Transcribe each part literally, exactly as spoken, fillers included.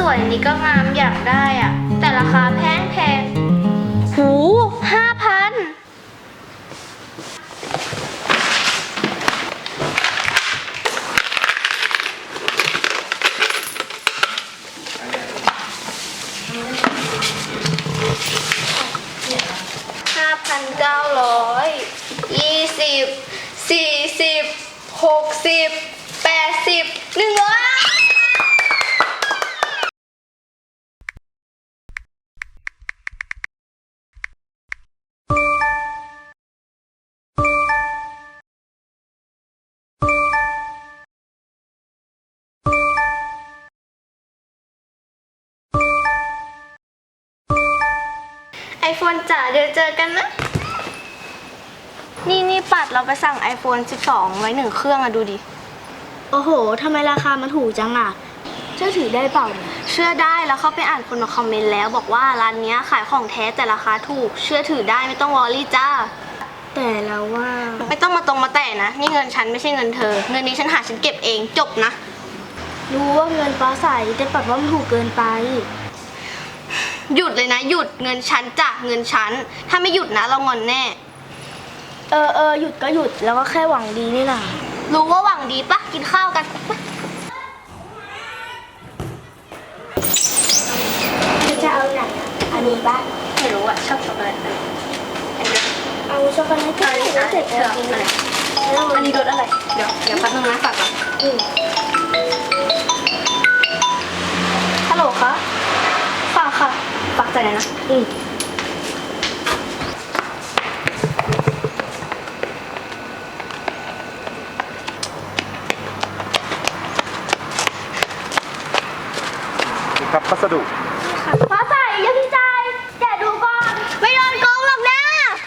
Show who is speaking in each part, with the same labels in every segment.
Speaker 1: วยนี่ก็งามอยากได้อ่ะแต่ราคาแพงแพงหูห้าพันห้าพันเก้าร้อยยี่สิบสี่สิบหกสิบแปดสิบหนึ่งร้อยไอโฟนจ๋าเดี๋ยวเจอกันนะนี่นี่ปัดเราไปสั่ง ไอโฟนสิบสอง ไว้หนึ่งเครื่องอะดูดิโอ้โหทำไมราคามันถูกจังอะเชื่อถือได้เปล่าเนี่ยเชื่อได้แล้วเขาไปอ่านคนมาคอมเมนต์แล้วบอกว่าร้านนี้ขายของแท้แต่ราคาถูกเชื่อถือได้ไม่ต้องวอรี่จ้าแต่แล้วว่าไม่ต้องมาตรงมาแต่นะนี่เงินฉันไม่ใช่เงินเธอเงินนี้ฉันหาฉันเก็บเองจบนะรู้ว่าเงินฟ้าใสแต่ปัดว่ามันถูกเกินไปหยุดเลยนะหยุดเงินฉันจ้ะเงินฉันถ้าไม่หยุดนะเรางอนแน่เออเออหยุดก็หยุดแล้วก็แค่หวังดีนี่นะรู้ว่าหวังดีปะกินข้าวกันจะเอาไหนอันนี้ปะไม่รู้อะชอบช็อกโกแลตเอาช็อกโกแลตก็ได้แล้วเสร็จแล้วกินอะไรอันนี้รสอะไรเดี๋ยวเดี๋ยวพักนึงนะฝากก่อนฮัลโหลคะฝากค่ะฝากใจนะนะอืม
Speaker 2: ครับพัสดุ
Speaker 1: ฟ้าใสอย่าพี่ใจแกดูก่อนไม่โดนโกงหรอกนะ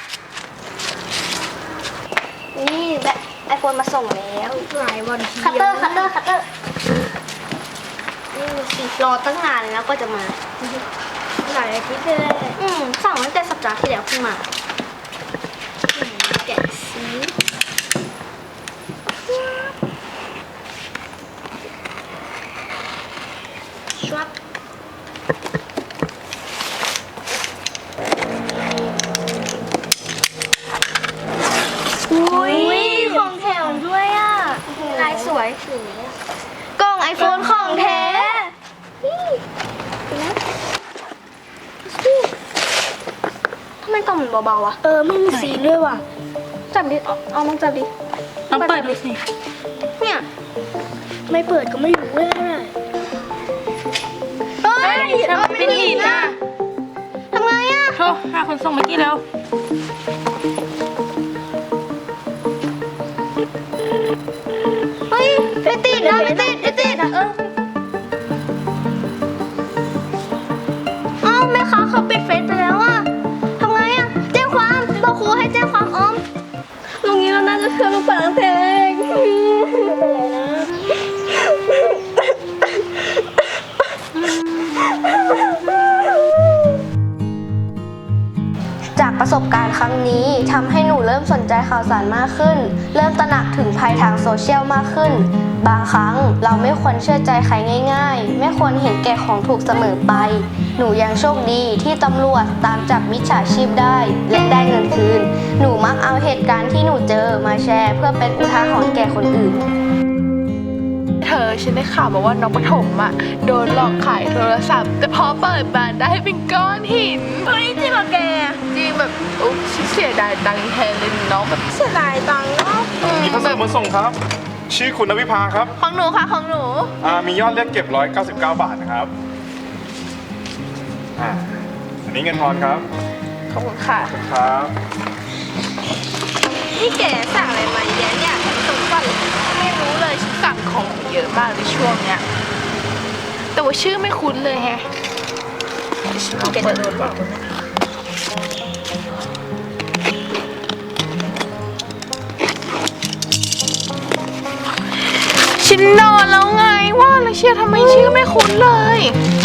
Speaker 1: นี่แบบไอโฟนมาส่งแล้วหลายวันคัตเตอร์คัตเตอร์คัตเตอร์นี่สิรอตั้งนานเลยนะก็จะมาหลายอาทิตย์เลยอืมสั่งตั้งแต่สัปดาห์ที่แล้วขึ้นมาแกะสีชวับอุ้ยของแถมด้วยอ่ะลายสวยกล่องไอโฟนของแท้ทำไมกล่องมันเบาๆอ่ะเออไม่มีสีด้วยว่ะจับดิเอาลองจับดิ
Speaker 3: ลองเปิดดูสิ
Speaker 1: เนี่ยไม่เปิดก็ไม่รู้เลยเฮ้ยทำไมเป็นหินอ่ะทำไงอ่ะ
Speaker 3: โทรหาคนส่งเมื่อกี้แล้ว
Speaker 1: เฮ้ยไม่ติดนะไม่ติดไม่ติดเอออ้าวแม่ค้าเขาปิดเฟซไปแล้วอ่ะทำไงอ่ะแจ้งความบอกครูให้แจ้งความอ้อมลุงนี้เราน่าจะเชื่อลูกปัดตั้งแต่แรกไม่เป็นไรนะจากประสบการณ์ครั้งนี้ทำให้หนูเริ่มสนใจข่าวสารมากขึ้นเริ่มตระหนักถึงภัยทางโซเชียลมากขึ้นบางครั้งเราไม่ควรเชื่อใจใครง่ายๆไม่ควรเห็นแก่ของถูกเสมอไปหนูยังโชคดีที่ตำรวจตามจับมิจฉาชีพได้และได้เงินคืนหนูมักเอาเหตุการณ์ที่หนูเจอมาแชร์เพื่อเป็นอุทาหรณ์แก่คนอื่น
Speaker 3: เธอฉันได้ข่าวมาว่าน้องปฐมอ่ะโดนหลอกขายโทรศัพท์แต่พอเปิดมาได้เป็นก้อนหินเฮ้ยจริงเหรอแกจริงแบบอุ๊ยเสียดายตังค์แทนเลยน้องแบบเสียดายตังค์เนาะ
Speaker 2: มีพัสดุมาส่งครับชื่อคุณนวิภาครับ
Speaker 3: ของหนูค่ะของหนู
Speaker 2: อ่ามียอดเรียกเก็บหนึ่งร้อยเก้าสิบเก้าบาทนะครับอ่าอันนี้เงินทอนครับ
Speaker 3: ขอบคุณค่ะ
Speaker 2: ครับ
Speaker 3: นี่แกสั่งอะไรมาเยอะเนี่ยสมบัติไม่รู้เลยฉันสั่งของเยอะมากในช่วงเนี้ยแต่ว่าชื่อไม่คุ้นเลยแฮะแกจะโดนบอกฉันนอนแล้วไงว่าแล้วเชียร์ทำไมชื่อไม่คุ้นเลย